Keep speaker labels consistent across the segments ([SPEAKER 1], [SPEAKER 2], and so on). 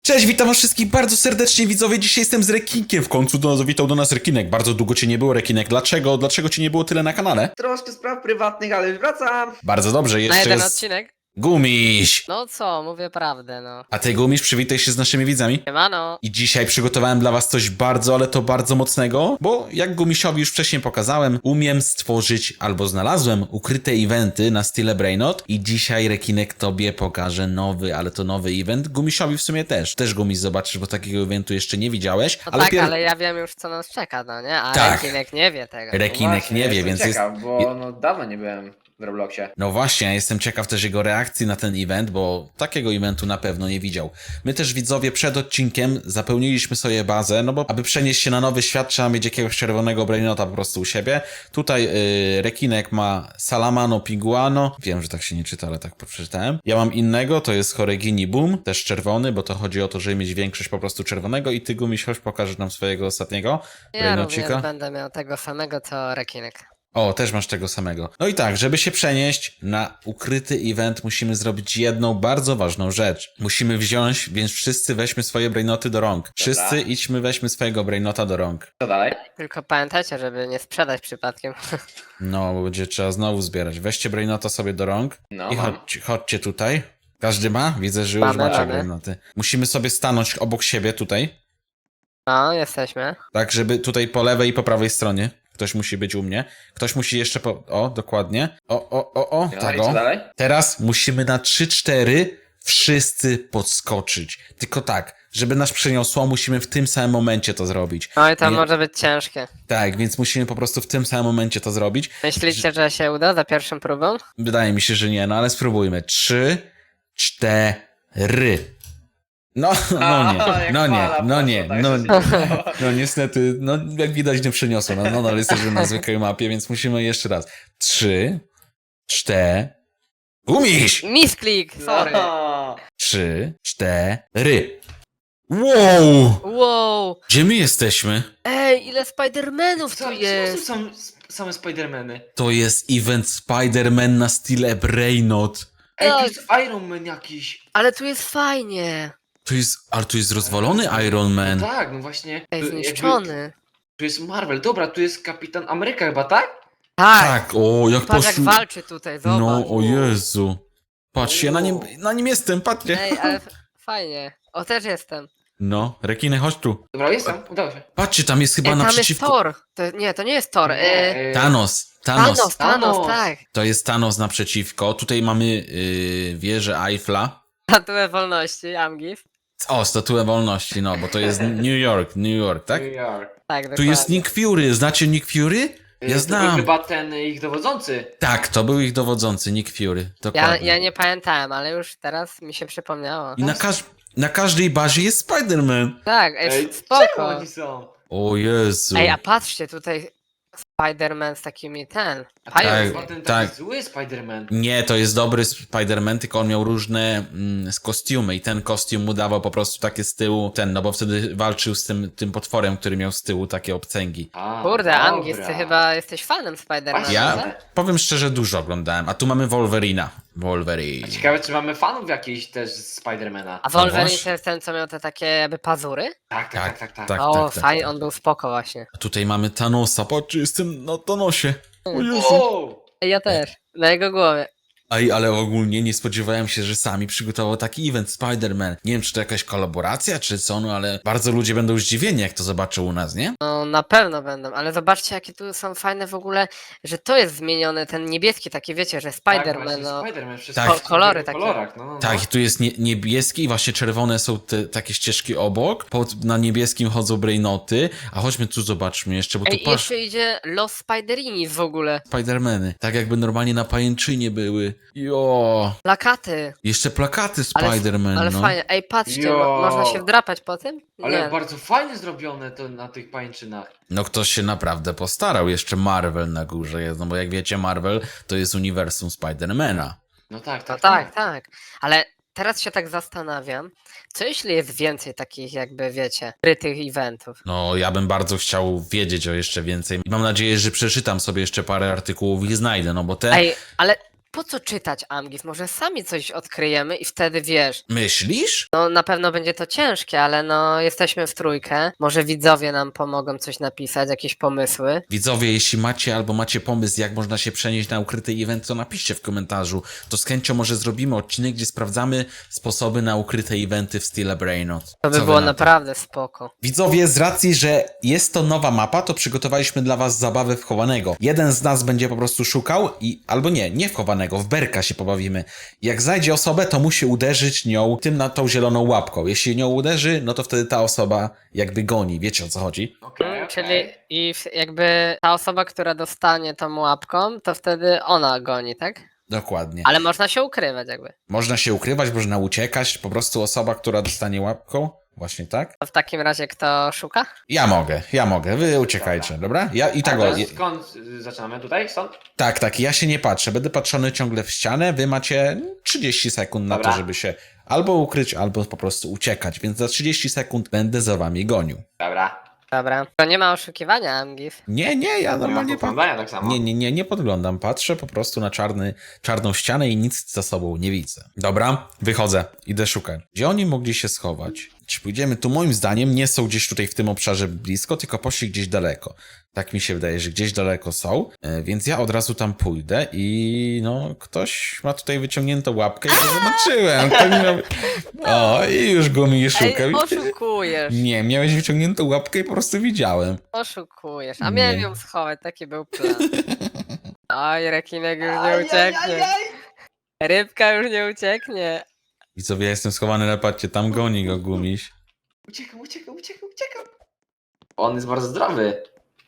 [SPEAKER 1] Cześć, witam was wszystkich bardzo serdecznie, widzowie. Dzisiaj jestem z Rekinkiem. W końcu zawitał do nas Rekinek. Bardzo długo cię nie było, Rekinek. Dlaczego? Dlaczego cię nie było tyle na kanale?
[SPEAKER 2] Troszkę spraw prywatnych, ale już wracam.
[SPEAKER 1] Bardzo dobrze,
[SPEAKER 3] Na
[SPEAKER 1] jeszcze
[SPEAKER 3] jeden
[SPEAKER 1] jest
[SPEAKER 3] odcinek?
[SPEAKER 1] Gumiś.
[SPEAKER 3] No co, mówię prawdę, no.
[SPEAKER 1] A ty, Gumiś, przywitaj się z naszymi widzami.
[SPEAKER 3] Siemano.
[SPEAKER 1] I dzisiaj przygotowałem dla was coś bardzo, ale to bardzo mocnego, bo jak Gumisiowi już wcześniej pokazałem, umiem stworzyć albo znalazłem ukryte eventy na style Brainot i dzisiaj Rekinek tobie pokaże nowy, ale to nowy event. Gumisiowi w sumie też. Też Gumiś zobaczysz, bo takiego eventu jeszcze nie widziałeś.
[SPEAKER 3] No tak, ale ja wiem już co nas czeka, no nie? A
[SPEAKER 1] Tak.
[SPEAKER 3] Rekinek nie wie tego.
[SPEAKER 1] Rekinek nie wie, więc jest...
[SPEAKER 2] Ciekaw, bo no dawno nie byłem w Robloxie.
[SPEAKER 1] No właśnie, ja jestem ciekaw też jego reakcji na ten event, bo takiego eventu na pewno nie widział. My też, widzowie, przed odcinkiem zapełniliśmy sobie bazę, no bo aby przenieść się na nowy świat, trzeba mieć jakiegoś czerwonego brainota po prostu u siebie. Tutaj Rekinek ma Salamano Piguano. Wiem, że tak się nie czyta, ale tak przeczytałem. Ja mam innego, to jest Horegini Boom, też czerwony, bo to chodzi o to, żeby mieć większość po prostu czerwonego i ty, Gumiś, chodź pokażesz nam swojego ostatniego
[SPEAKER 3] Ja
[SPEAKER 1] brainocika.
[SPEAKER 3] również będę miał tego samego co Rekinek.
[SPEAKER 1] O, też masz tego samego. No i tak, żeby się przenieść na ukryty event, musimy zrobić jedną bardzo ważną rzecz. Musimy wziąć, więc wszyscy weźmy swoje brainoty do rąk. Wszyscy idźmy, weźmy swojego brainota do rąk.
[SPEAKER 2] Co dalej?
[SPEAKER 3] Tylko pamiętajcie, żeby nie sprzedać przypadkiem.
[SPEAKER 1] No, bo będzie trzeba znowu zbierać. Weźcie brainota sobie do rąk
[SPEAKER 2] No,
[SPEAKER 1] i
[SPEAKER 2] mam.
[SPEAKER 1] chodźcie tutaj. Każdy ma? Widzę, że już
[SPEAKER 3] Mamy,
[SPEAKER 1] macie
[SPEAKER 3] mamy.
[SPEAKER 1] brainoty. Musimy sobie stanąć obok siebie tutaj,
[SPEAKER 3] No, jesteśmy.
[SPEAKER 1] tak, żeby tutaj po lewej i po prawej stronie. Ktoś musi być u mnie. Ktoś musi jeszcze po... O, dokładnie. O,
[SPEAKER 2] No,
[SPEAKER 1] tak
[SPEAKER 2] i
[SPEAKER 1] o.
[SPEAKER 2] co dalej?
[SPEAKER 1] Teraz musimy na 3-4 wszyscy podskoczyć. Tylko tak, żeby nas przeniosło, musimy w tym samym momencie to zrobić.
[SPEAKER 3] No i to
[SPEAKER 1] Nie-
[SPEAKER 3] może być ciężkie.
[SPEAKER 1] Tak, więc musimy po prostu w tym samym momencie to zrobić.
[SPEAKER 3] Myślicie, że się uda za pierwszą próbą?
[SPEAKER 1] Wydaje mi się, że nie, no ale spróbujmy. 3, 4. No
[SPEAKER 2] jak
[SPEAKER 1] nie,
[SPEAKER 2] fala
[SPEAKER 1] no nie,
[SPEAKER 2] poszła,
[SPEAKER 1] no
[SPEAKER 2] tak,
[SPEAKER 1] nie,
[SPEAKER 2] że
[SPEAKER 1] no
[SPEAKER 2] się
[SPEAKER 1] nie. No niestety, no jak widać nie przeniosło. No, ale jesteśmy na zwykłej mapie, więc musimy jeszcze raz. 3, 4. Gumiś!
[SPEAKER 3] Misklik, sorry.
[SPEAKER 2] No.
[SPEAKER 1] 3, 4. Wow!
[SPEAKER 3] Wow.
[SPEAKER 1] Gdzie my jesteśmy?
[SPEAKER 3] Ej, ile Spidermanów tu
[SPEAKER 2] Co
[SPEAKER 3] jest.
[SPEAKER 2] są same Spidermany?
[SPEAKER 1] To jest event Spider-Man na style Brainot.
[SPEAKER 2] Ej,
[SPEAKER 3] Tak.
[SPEAKER 2] tu jest Iron Man jakiś.
[SPEAKER 3] Ale tu jest fajnie.
[SPEAKER 1] Ale tu jest rozwalony Iron Man.
[SPEAKER 2] No tak, no właśnie.
[SPEAKER 3] Ej,
[SPEAKER 2] Tu
[SPEAKER 3] zniszczony.
[SPEAKER 2] Tu jest Marvel. Dobra, tu jest Kapitan Ameryka chyba, tak?
[SPEAKER 3] Tak.
[SPEAKER 1] Tak, o, jak
[SPEAKER 3] Patrz jak
[SPEAKER 1] poszło.
[SPEAKER 3] walczy tutaj, zobacz.
[SPEAKER 1] No, o Jezu. Patrz, ja na nim jestem, patrzcie.
[SPEAKER 3] Ej, ale fajnie. O, też jestem.
[SPEAKER 1] No, rekiny, chodź tu.
[SPEAKER 2] Dobra, jestem, udało się.
[SPEAKER 1] Patrzcie, tam jest chyba
[SPEAKER 3] Ej, tam jest
[SPEAKER 1] naprzeciwko...
[SPEAKER 3] Thor. To nie jest Thor.
[SPEAKER 2] Nie,
[SPEAKER 1] Thanos.
[SPEAKER 3] Thanos,
[SPEAKER 2] Thanos.
[SPEAKER 3] tak.
[SPEAKER 1] To jest Thanos naprzeciwko. Tutaj mamy wieżę Eiffla.
[SPEAKER 3] Statuę wolności, Amgif.
[SPEAKER 1] O, statuę wolności, no, bo to jest New York, tak?
[SPEAKER 2] New York.
[SPEAKER 3] Tak,
[SPEAKER 1] Tu
[SPEAKER 3] dokładnie.
[SPEAKER 1] jest Nick Fury. Znacie Nick Fury? Ja
[SPEAKER 2] To był
[SPEAKER 1] znam.
[SPEAKER 2] chyba ten ich dowodzący.
[SPEAKER 1] Tak, to był ich dowodzący, Nick Fury.
[SPEAKER 3] Ja,
[SPEAKER 1] Dokładnie.
[SPEAKER 3] ja nie pamiętałem, ale już teraz mi się przypomniało.
[SPEAKER 1] I na każdej bazie jest Spider-Man.
[SPEAKER 3] Tak,
[SPEAKER 2] Ej, czemu
[SPEAKER 3] spoko.
[SPEAKER 2] oni są?
[SPEAKER 1] O Jezu.
[SPEAKER 3] Ej, a patrzcie, tutaj Spider-Man z takimi
[SPEAKER 2] A to
[SPEAKER 3] pająk.
[SPEAKER 2] jest
[SPEAKER 1] Tak,
[SPEAKER 2] chyba ten
[SPEAKER 1] tak.
[SPEAKER 2] taki zły Spider-Man.
[SPEAKER 1] Nie, to jest dobry Spider-Man, tylko on miał różne kostiumy i ten kostium mu dawał po prostu takie z tyłu, no bo wtedy walczył z tym potworem, który miał z tyłu takie obcęgi.
[SPEAKER 2] A,
[SPEAKER 3] Kurde,
[SPEAKER 2] dobra.
[SPEAKER 3] Amgif, ty chyba jesteś fanem Spider-Mana.
[SPEAKER 2] Właśnie.
[SPEAKER 1] Ja
[SPEAKER 3] nie?
[SPEAKER 1] powiem szczerze, dużo oglądałem, a tu mamy Wolverina. Wolverine.
[SPEAKER 2] Ciekawe, czy mamy fanów jakichś też z Spidermana.
[SPEAKER 3] A Wolverine
[SPEAKER 1] właśnie.
[SPEAKER 3] to jest ten, co miał te takie jakby pazury?
[SPEAKER 1] Tak.
[SPEAKER 3] O, fajnie, on był spoko właśnie.
[SPEAKER 1] A tutaj mamy Thanosa, patrzcie, jestem na Thanosie. O Jezu.
[SPEAKER 2] Wow!
[SPEAKER 3] Ej, ja też, na jego głowie.
[SPEAKER 1] Ej, ale ogólnie nie spodziewałem się, że sami przygotował taki event Spider-Man. Nie wiem, czy to jakaś kolaboracja, czy co, no ale bardzo ludzie będą zdziwieni, jak to zobaczą u nas, nie?
[SPEAKER 3] No na pewno będą, ale zobaczcie jakie tu są fajne w ogóle, że to jest zmieniony, ten niebieski taki, wiecie, że Spider-Man, no.
[SPEAKER 2] Spider-Man, wszystko
[SPEAKER 1] Tak.
[SPEAKER 2] w
[SPEAKER 3] Kolory
[SPEAKER 2] tych
[SPEAKER 3] takie.
[SPEAKER 2] kolorach, no.
[SPEAKER 1] Tak, i tu jest niebieski i właśnie czerwone są te takie ścieżki obok. Na niebieskim chodzą brainoty. A chodźmy tu, zobaczmy jeszcze, bo tu
[SPEAKER 3] Ej, i jeszcze idzie Los Spiderini w ogóle.
[SPEAKER 1] Spidermany. Tak jakby normalnie na pajęczynie były. Jo.
[SPEAKER 3] Plakaty.
[SPEAKER 1] Jeszcze plakaty
[SPEAKER 3] Ale-
[SPEAKER 1] Spiderman,
[SPEAKER 3] Ale
[SPEAKER 1] no.
[SPEAKER 3] fajnie. Ej, patrzcie,
[SPEAKER 2] Jo.
[SPEAKER 3] można się wdrapać po tym?
[SPEAKER 2] Ale
[SPEAKER 3] Nie.
[SPEAKER 2] bardzo fajnie zrobione to na tych pańczynach.
[SPEAKER 1] No ktoś się naprawdę postarał. Jeszcze Marvel na górze jest, no bo jak wiecie, Marvel to jest uniwersum Spidermana.
[SPEAKER 2] No tak,
[SPEAKER 3] No
[SPEAKER 2] tak.
[SPEAKER 3] tak. Ale teraz się tak zastanawiam, co jeśli jest więcej takich jakby, wiecie, krytych eventów?
[SPEAKER 1] No, ja bym bardzo chciał wiedzieć o jeszcze więcej. I mam nadzieję, że przeczytam sobie jeszcze parę artykułów i znajdę, no bo te...
[SPEAKER 3] Ej, ale po co czytać, Amgis? Może sami coś odkryjemy i wtedy wiesz.
[SPEAKER 1] Myślisz?
[SPEAKER 3] No na pewno będzie to ciężkie, ale no jesteśmy w trójkę. Może widzowie nam pomogą coś napisać, jakieś pomysły.
[SPEAKER 1] Widzowie, jeśli macie albo macie pomysł, jak można się przenieść na ukryty event, to napiszcie w komentarzu. To z chęcią może zrobimy odcinek, gdzie sprawdzamy sposoby na ukryte eventy w stile Brainot.
[SPEAKER 3] To by
[SPEAKER 1] Co wy
[SPEAKER 3] było
[SPEAKER 1] na to?
[SPEAKER 3] naprawdę spoko.
[SPEAKER 1] Widzowie, z racji, że jest to nowa mapa, to przygotowaliśmy dla was zabawę w chowanego. Jeden z nas będzie po prostu szukał albo nie w chowanego, w berka się pobawimy. Jak znajdzie osobę, to musi uderzyć nią na tą zieloną łapką. Jeśli nią uderzy, no to wtedy ta osoba jakby goni. Wiecie, o co chodzi?
[SPEAKER 2] Okej,
[SPEAKER 3] Czyli jakby ta osoba, która dostanie tą łapką, to wtedy ona goni, tak?
[SPEAKER 1] Dokładnie.
[SPEAKER 3] Ale można się ukrywać jakby.
[SPEAKER 1] Można się ukrywać, można uciekać. Po prostu osoba, która dostanie łapką. Właśnie tak?
[SPEAKER 3] To w takim razie kto szuka?
[SPEAKER 1] Ja mogę. Wy uciekajcie, dobra? Ja i tak.
[SPEAKER 2] A skąd zaczynamy? Tutaj? Stąd?
[SPEAKER 1] Tak, ja się nie patrzę. Będę patrzony ciągle w ścianę. Wy macie 30 sekund na
[SPEAKER 2] Dobra.
[SPEAKER 1] to, żeby się albo ukryć, albo po prostu uciekać. Więc za 30 sekund będę za wami gonił.
[SPEAKER 2] Dobra.
[SPEAKER 3] Dobra. To nie ma oszukiwania, Amgis.
[SPEAKER 1] Nie, ja
[SPEAKER 2] Nie ma
[SPEAKER 1] normalnie
[SPEAKER 2] podglądania tak samo.
[SPEAKER 1] Nie podglądam. Patrzę po prostu na czarną ścianę i nic za sobą nie widzę. Dobra, wychodzę. Idę szukać. Gdzie oni mogli się schować? Czy pójdziemy tu? Moim zdaniem nie są gdzieś tutaj w tym obszarze blisko, tylko poszli gdzieś daleko. Tak mi się wydaje, że gdzieś daleko są, więc ja od razu tam pójdę i no, ktoś ma tutaj wyciągniętą łapkę i to zobaczyłem. O, i już go mi szuka.
[SPEAKER 3] Ej, oszukujesz.
[SPEAKER 1] Nie, miałeś wyciągniętą łapkę i po prostu widziałem.
[SPEAKER 3] Oszukujesz. A miałem
[SPEAKER 1] Nie.
[SPEAKER 3] ją schować, taki był plan. Oj, rekinek już nie ucieknie. Rybka już nie ucieknie.
[SPEAKER 1] I co, ja jestem schowany na pacie, tam goni go gumiś.
[SPEAKER 2] Uciekam. On jest bardzo zdrowy.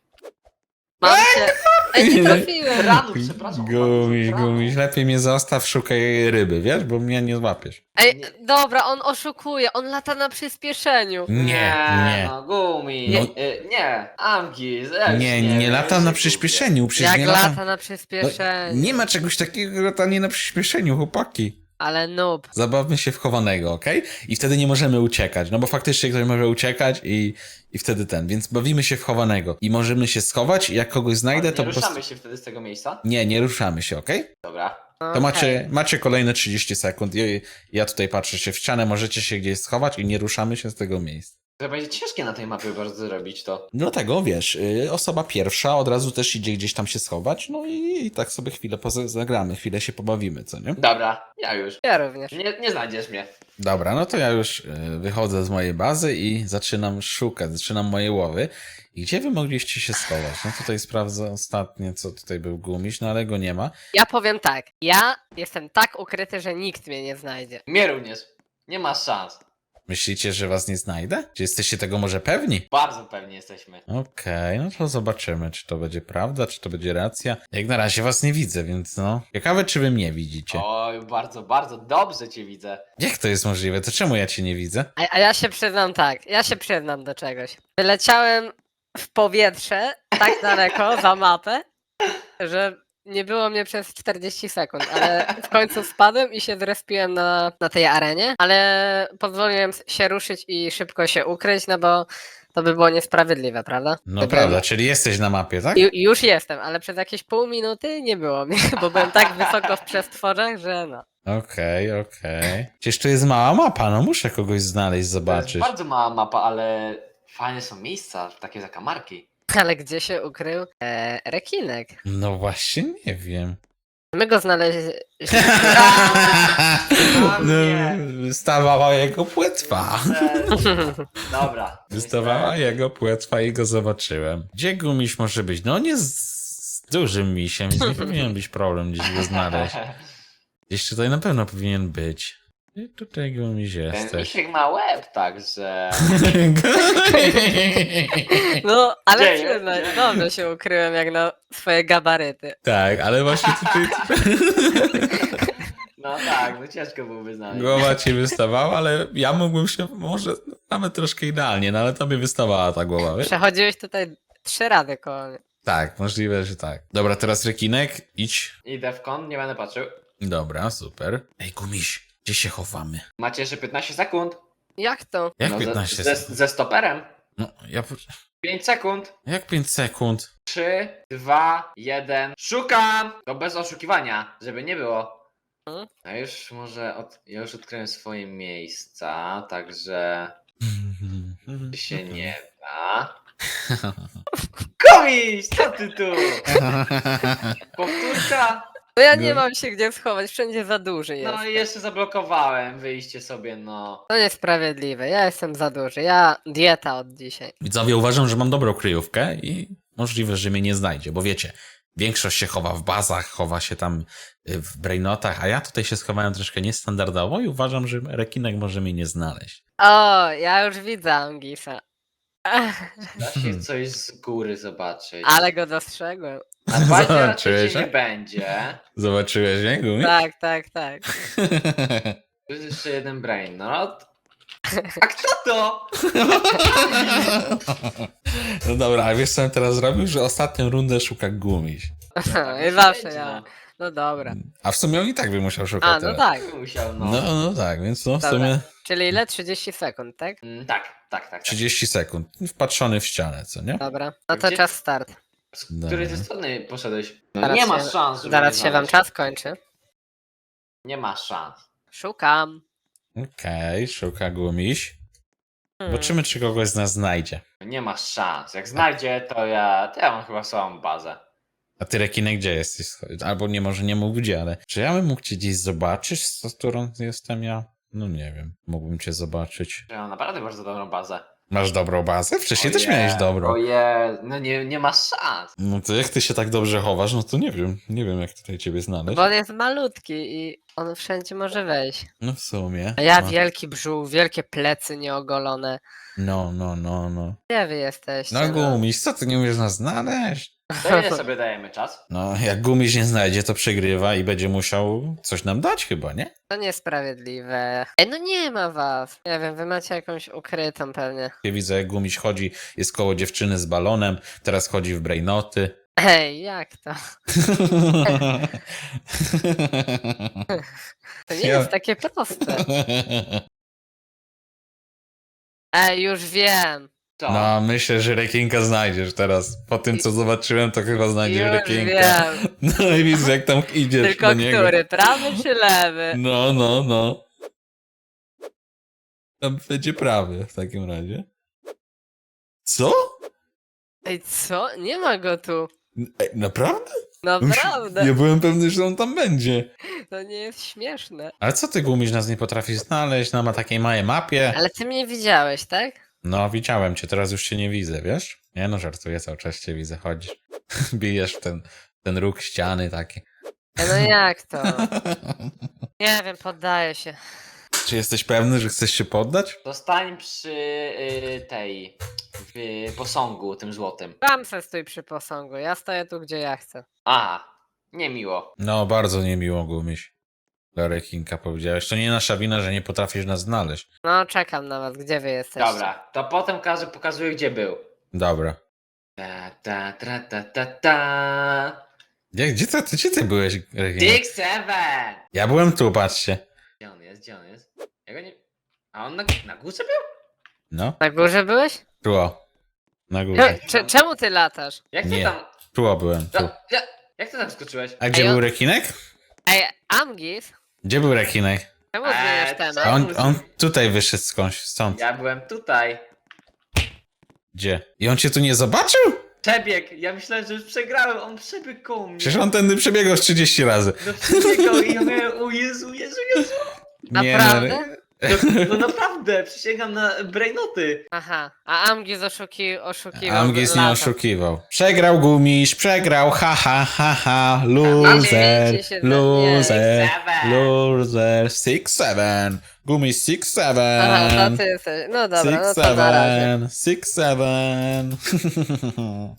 [SPEAKER 3] Mam cię. Ej, nie trafiłem.
[SPEAKER 2] Ranu, przepraszam.
[SPEAKER 1] Gumiś, lepiej mnie zostaw, szukaj ryby, wiesz, bo mnie nie złapiesz.
[SPEAKER 3] Ej, dobra, on oszukuje. On lata na przyspieszeniu.
[SPEAKER 1] Nie.
[SPEAKER 2] No, gumi.
[SPEAKER 1] No.
[SPEAKER 2] Nie. Amgis.
[SPEAKER 1] Nie latam na przyspieszeniu, przecież
[SPEAKER 3] Jak
[SPEAKER 1] nie
[SPEAKER 3] lata
[SPEAKER 1] latam.
[SPEAKER 3] na
[SPEAKER 1] No,
[SPEAKER 3] przyspieszeniu.
[SPEAKER 1] nie ma czegoś takiego jak latanie na przyspieszeniu, chłopaki.
[SPEAKER 3] Ale noob.
[SPEAKER 1] Zabawmy się w chowanego, okej? I wtedy nie możemy uciekać, no bo faktycznie ktoś może uciekać i wtedy więc bawimy się w chowanego. I możemy się schować i jak kogoś znajdę, to
[SPEAKER 2] Nie
[SPEAKER 1] po prostu...
[SPEAKER 2] ruszamy się wtedy z tego miejsca?
[SPEAKER 1] Nie ruszamy się, okej?
[SPEAKER 2] Dobra.
[SPEAKER 1] To macie kolejne 30 sekund. Ja tutaj patrzę się w ścianę, możecie się gdzieś schować i nie ruszamy się z tego miejsca.
[SPEAKER 2] To będzie ciężkie na tej mapie bardzo zrobić to.
[SPEAKER 1] Dlatego, wiesz, osoba pierwsza od razu też idzie gdzieś tam się schować, no i tak sobie chwilę zagramy, chwilę się pobawimy, co nie?
[SPEAKER 2] Dobra, ja już.
[SPEAKER 3] Ja również.
[SPEAKER 2] Nie znajdziesz mnie.
[SPEAKER 1] Dobra, no to ja już wychodzę z mojej bazy i zaczynam szukać, zaczynam moje łowy. I gdzie wy mogliście się schować? No tutaj sprawdzę ostatnie, co tutaj był gumiś, no ale go nie ma.
[SPEAKER 3] Ja powiem tak. Ja jestem tak ukryty, że nikt mnie nie znajdzie.
[SPEAKER 2] Mnie również. Nie ma szans.
[SPEAKER 1] Myślicie, że was nie znajdę? Czy jesteście tego może pewni?
[SPEAKER 2] Bardzo pewni jesteśmy.
[SPEAKER 1] Okej, no to zobaczymy, czy to będzie prawda, czy to będzie racja. Jak na razie was nie widzę, więc no. Ciekawe, czy wy mnie widzicie.
[SPEAKER 2] Oj, bardzo dobrze cię widzę.
[SPEAKER 1] Jak to jest możliwe? To czemu ja cię nie widzę?
[SPEAKER 3] A ja się przyznam tak. Ja się przyznam do czegoś. Wyleciałem w powietrze tak daleko za mapę, że nie było mnie przez 40 sekund, ale w końcu spadłem i się zrespiłem na tej arenie, ale pozwoliłem się ruszyć i szybko się ukryć, no bo to by było niesprawiedliwe, prawda?
[SPEAKER 1] No
[SPEAKER 3] Gdybym-
[SPEAKER 1] prawda, czyli jesteś na mapie, tak?
[SPEAKER 3] Już jestem, ale przez jakieś pół minuty nie było mnie, bo byłem tak wysoko w przestworzach, że no.
[SPEAKER 1] Okej. Przecież tu jest mała mapa, no muszę kogoś znaleźć,
[SPEAKER 2] To jest
[SPEAKER 1] zobaczyć.
[SPEAKER 2] bardzo mała mapa, ale fajne są miejsca, takie zakamarki.
[SPEAKER 3] Ale gdzie się ukrył rekinek?
[SPEAKER 1] No właśnie, nie wiem.
[SPEAKER 3] My go znaleźliśmy.
[SPEAKER 2] nie.
[SPEAKER 1] Wystawała jego płetwa.
[SPEAKER 2] Dobra.
[SPEAKER 1] Wystawała jego płetwa i go zobaczyłem. Gdzie gumiś może być? No on jest z dużym misiem, więc nie powinien być problem gdzieś go znaleźć. Gdzieś tutaj na pewno powinien być. I tutaj gumiś
[SPEAKER 2] Ten
[SPEAKER 1] jesteś.
[SPEAKER 2] misiek ma łeb, także...
[SPEAKER 3] No, ale
[SPEAKER 2] Gdzie
[SPEAKER 3] przyznaj,
[SPEAKER 2] jest?
[SPEAKER 3] dobrze się ukryłem jak na swoje gabaryty.
[SPEAKER 1] Tak, ale właśnie tutaj
[SPEAKER 2] No tak, no ciężko byłoby znaleźć.
[SPEAKER 1] głowa ci wystawała, ale ja mógłbym się może nawet troszkę idealnie, no ale tobie wystawała ta głowa, wiesz?
[SPEAKER 3] Przechodziłeś tutaj 3 razy koło mnie.
[SPEAKER 1] Tak, możliwe, że tak. Dobra, teraz rekinek, idź.
[SPEAKER 2] Idę w kąt, nie będę patrzył.
[SPEAKER 1] Dobra, super. Ej, gumiś, gdzie się chowamy?
[SPEAKER 2] Macie jeszcze 15 sekund.
[SPEAKER 3] Jak to?
[SPEAKER 1] Jak
[SPEAKER 2] No,
[SPEAKER 1] 15
[SPEAKER 2] ze
[SPEAKER 1] sekund?
[SPEAKER 2] ze stoperem.
[SPEAKER 1] No, ja...
[SPEAKER 2] 5 sekund.
[SPEAKER 1] Jak 5 sekund?
[SPEAKER 2] 3, 2, 1. Szukam! To bez oszukiwania, żeby nie było.
[SPEAKER 3] Mhm.
[SPEAKER 2] A już może ja już odkryłem swoje miejsca, także się nie da. Komiś! Co ty tu? Powtórka?
[SPEAKER 3] No ja nie mam się gdzie schować, wszędzie za duży jest.
[SPEAKER 2] No i jeszcze zablokowałem wyjście sobie, no.
[SPEAKER 3] To niesprawiedliwe, ja jestem za duży, ja dieta od dzisiaj.
[SPEAKER 1] Widzowie, uważam, że mam dobrą kryjówkę i możliwe, że mnie nie znajdzie, bo wiecie, większość się chowa w bazach, chowa się tam w brainotach, a ja tutaj się schowałem troszkę niestandardowo i uważam, że rekinek może mnie nie znaleźć.
[SPEAKER 3] O, ja już widzę Angisa.
[SPEAKER 2] Da się coś z góry zobaczyć.
[SPEAKER 3] Ale go dostrzegłem.
[SPEAKER 2] A bazie raczej
[SPEAKER 1] Zobaczyłeś,
[SPEAKER 2] cię nie
[SPEAKER 1] a?
[SPEAKER 2] będzie.
[SPEAKER 1] Zobaczyłeś, nie, Gumi?
[SPEAKER 3] Tak, tak, tak.
[SPEAKER 2] Tu jest jeszcze jeden brainrot. A kto to?
[SPEAKER 1] No dobra, a wiesz co on teraz zrobił? Że ostatnią rundę szuka Gumiś.
[SPEAKER 3] I zawsze ja. No dobra.
[SPEAKER 1] A w sumie on i tak by musiał szukać
[SPEAKER 3] A, no
[SPEAKER 1] teraz.
[SPEAKER 3] tak.
[SPEAKER 2] Musiał, no.
[SPEAKER 1] No tak, więc no w
[SPEAKER 3] Dobra.
[SPEAKER 1] sumie
[SPEAKER 3] Czyli ile? 30 sekund, tak?
[SPEAKER 2] Tak.
[SPEAKER 1] 30 sekund. Wpatrzony w ścianę, co nie?
[SPEAKER 3] Dobra. No to
[SPEAKER 2] Gdzie-
[SPEAKER 3] czas start.
[SPEAKER 2] Z której ze strony poszedłeś? No
[SPEAKER 3] Zaraz
[SPEAKER 2] nie ma
[SPEAKER 3] się-
[SPEAKER 2] szans, żeby
[SPEAKER 3] Zaraz
[SPEAKER 2] mnie
[SPEAKER 3] się wam
[SPEAKER 2] znaleźć.
[SPEAKER 3] czas kończy.
[SPEAKER 2] Nie ma szans.
[SPEAKER 3] Szukam.
[SPEAKER 1] Okej, szuka Gumiś.
[SPEAKER 3] Hmm.
[SPEAKER 1] Zobaczymy, czy kogoś z nas znajdzie.
[SPEAKER 2] Nie ma szans. Jak znajdzie, to ja mam chyba słabą bazę.
[SPEAKER 1] A ty, rekinek, gdzie jesteś? Albo nie, może nie mógł gdzie, ale... Czy ja bym mógł cię gdzieś zobaczyć, z którą jestem ja? No nie wiem, mógłbym cię zobaczyć.
[SPEAKER 2] Ja mam naprawdę bardzo dobrą bazę.
[SPEAKER 1] Masz dobrą bazę? Wcześniej też
[SPEAKER 2] Oje,
[SPEAKER 1] miałeś dobrą.
[SPEAKER 2] Oje, no nie ma szans.
[SPEAKER 1] No to jak ty się tak dobrze chowasz, no to nie wiem jak tutaj ciebie znaleźć.
[SPEAKER 3] Bo on jest malutki i on wszędzie może wejść.
[SPEAKER 1] No w sumie.
[SPEAKER 3] A ja
[SPEAKER 1] no.
[SPEAKER 3] wielki brzuch, wielkie plecy nieogolone.
[SPEAKER 1] No.
[SPEAKER 3] Gdzie wy jesteście?
[SPEAKER 1] No Gumiś, co ty nie umiesz nas znaleźć?
[SPEAKER 2] To ile sobie dajemy czas?
[SPEAKER 1] No, jak Gumiś nie znajdzie, to przegrywa i będzie musiał coś nam dać chyba, nie?
[SPEAKER 3] To niesprawiedliwe. Ej, no nie ma was. Nie wiem, wy macie jakąś ukrytą pewnie.
[SPEAKER 1] Ja widzę, jak Gumiś chodzi, jest koło dziewczyny z balonem, teraz chodzi w brainoty.
[SPEAKER 3] Ej, jak to? To nie
[SPEAKER 1] Ja-
[SPEAKER 3] jest takie proste. Ej, już wiem.
[SPEAKER 2] To.
[SPEAKER 1] No, myślę, że rekinka znajdziesz teraz. Po tym, co zobaczyłem, to chyba znajdziesz
[SPEAKER 3] Już
[SPEAKER 1] rekinka.
[SPEAKER 3] wiem.
[SPEAKER 1] No i widzę, jak tam idziesz
[SPEAKER 3] Tylko
[SPEAKER 1] do niego.
[SPEAKER 3] który? Prawy czy lewy?
[SPEAKER 1] No. Tam będzie prawy w takim razie. Co?
[SPEAKER 3] Ej, co? Nie ma go tu.
[SPEAKER 1] Ej, naprawdę?
[SPEAKER 3] Naprawdę.
[SPEAKER 1] Ja byłem pewny, że on tam będzie.
[SPEAKER 3] To nie jest śmieszne.
[SPEAKER 1] Ale co ty, Gumiś, nas nie potrafisz znaleźć na takiej małej mapie?
[SPEAKER 3] Ale ty mnie widziałeś, tak?
[SPEAKER 1] No, widziałem cię, teraz już cię nie widzę, wiesz? Nie no, żartuję, cały czas cię widzę, chodzisz. Bijesz w ten róg ściany taki.
[SPEAKER 3] Ej, no jak to? Nie wiem, poddaję się.
[SPEAKER 1] Czy jesteś pewny, że chcesz się poddać?
[SPEAKER 2] Zostań przy tej posągu tym złotym.
[SPEAKER 3] Sam se stój przy posągu, ja stoję tu, gdzie ja chcę.
[SPEAKER 2] A, niemiło.
[SPEAKER 1] No, bardzo niemiło, Gumiś. Dla rekinka powiedziałeś. To nie nasza wina, że nie potrafisz nas znaleźć.
[SPEAKER 3] No, czekam na was, gdzie wy jesteście?
[SPEAKER 2] Dobra, to potem pokazuję gdzie był.
[SPEAKER 1] Dobra.
[SPEAKER 2] Ta.
[SPEAKER 1] Gdzie ty byłeś, rekinek?
[SPEAKER 2] Dick Seven!
[SPEAKER 1] Ja byłem tu, patrzcie.
[SPEAKER 2] Gdzie on jest? Ja go nie... A on na górze był?
[SPEAKER 1] No,
[SPEAKER 3] Na górze byłeś?
[SPEAKER 1] tu o. Na górze.
[SPEAKER 3] Czemu ty latasz?
[SPEAKER 2] Jak ty
[SPEAKER 1] Nie.
[SPEAKER 2] tam...
[SPEAKER 1] Tu o byłem, tu.
[SPEAKER 2] Jak ty tam skoczyłeś?
[SPEAKER 1] A gdzie
[SPEAKER 3] Ej,
[SPEAKER 1] był rekinek?
[SPEAKER 3] Ej, Amgis?
[SPEAKER 1] Gdzie był rekinek?
[SPEAKER 3] Czemu zmieniasz temat?
[SPEAKER 1] A on tutaj wyszedł skądś, stąd.
[SPEAKER 2] Ja byłem tutaj.
[SPEAKER 1] Gdzie? I on cię tu nie zobaczył?
[SPEAKER 2] Przebieg! Ja myślałem, że już przegrałem, on przebiegł koło mnie.
[SPEAKER 1] Przecież on tędy przebiegał z 30 razy.
[SPEAKER 2] No przebiegał i ja miałem, o Jezu.
[SPEAKER 3] Naprawdę?
[SPEAKER 2] No naprawdę, przysięgam na brainoty.
[SPEAKER 3] Aha, a Amgis oszukiwał.
[SPEAKER 1] Amgis nie
[SPEAKER 3] lata.
[SPEAKER 1] oszukiwał. Przegrał Gumiś, przegrał, ha,
[SPEAKER 3] Ale
[SPEAKER 1] loser,
[SPEAKER 3] wiecie się,
[SPEAKER 1] loser,
[SPEAKER 2] Seven.
[SPEAKER 1] loser, 6-7, Gumiś 6-7,
[SPEAKER 3] Aha, to ty jesteś. No dobra, no to na razie.
[SPEAKER 1] 6-7.